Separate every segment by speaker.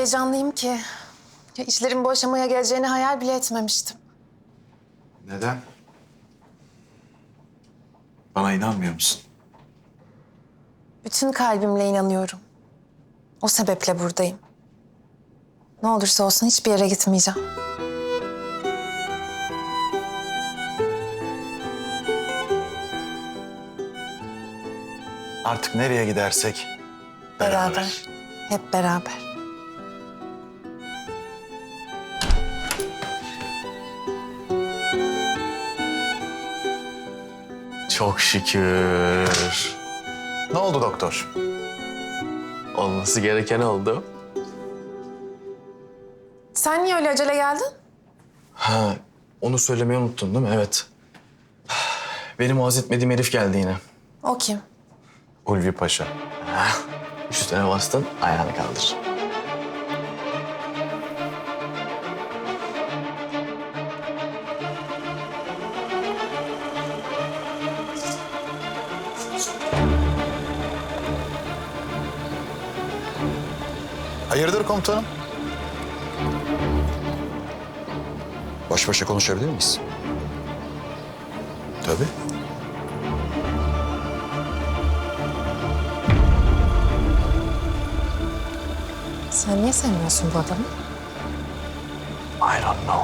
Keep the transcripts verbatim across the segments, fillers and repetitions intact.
Speaker 1: heyecanlıyım ki. Ya işlerin bu aşamaya geleceğini hayal bile etmemiştim.
Speaker 2: Neden? Bana inanmıyor musun?
Speaker 1: Bütün kalbimle inanıyorum. O sebeple buradayım. Ne olursa olsun hiçbir yere gitmeyeceğim.
Speaker 2: Artık nereye gidersek beraber.
Speaker 1: Beraber. Hep beraber.
Speaker 2: Çok şükür. Ne oldu doktor?
Speaker 3: Olması gereken oldu.
Speaker 1: Sen niye öyle acele geldin?
Speaker 3: Ha, onu söylemeyi unuttun değil mi? Evet. Benim haz etmediğim herif geldi yine.
Speaker 1: O kim?
Speaker 2: Ulvi Paşa.
Speaker 3: Ha, üstüne bastın, ayağını kaldır.
Speaker 2: Hayırdır komutanım?
Speaker 4: Baş başa konuşabilir miyiz?
Speaker 2: Tabii.
Speaker 1: Sen niye sevmiyorsun bu adamı?
Speaker 2: I don't know.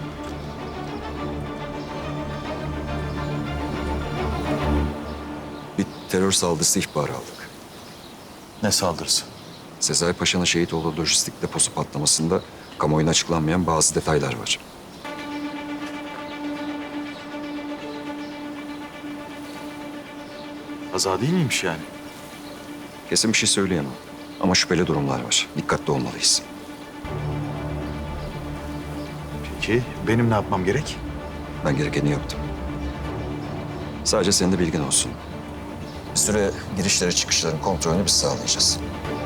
Speaker 4: Bir terör saldırısı ihbarı aldık.
Speaker 2: Ne saldırısı?
Speaker 4: Sezai Paşa'nın şehit olduğu lojistik deposu patlamasında kamuoyuna açıklanmayan bazı detaylar var.
Speaker 2: Kaza değil miymiş yani?
Speaker 4: Kesin bir şey söyleyemem. Ama şüpheli durumlar var. Dikkatli olmalıyız.
Speaker 2: Peki benim ne yapmam gerek?
Speaker 4: Ben gerekeni yaptım. Sadece senin de bilgin olsun. Bir süre girişleri çıkışların kontrolünü biz sağlayacağız.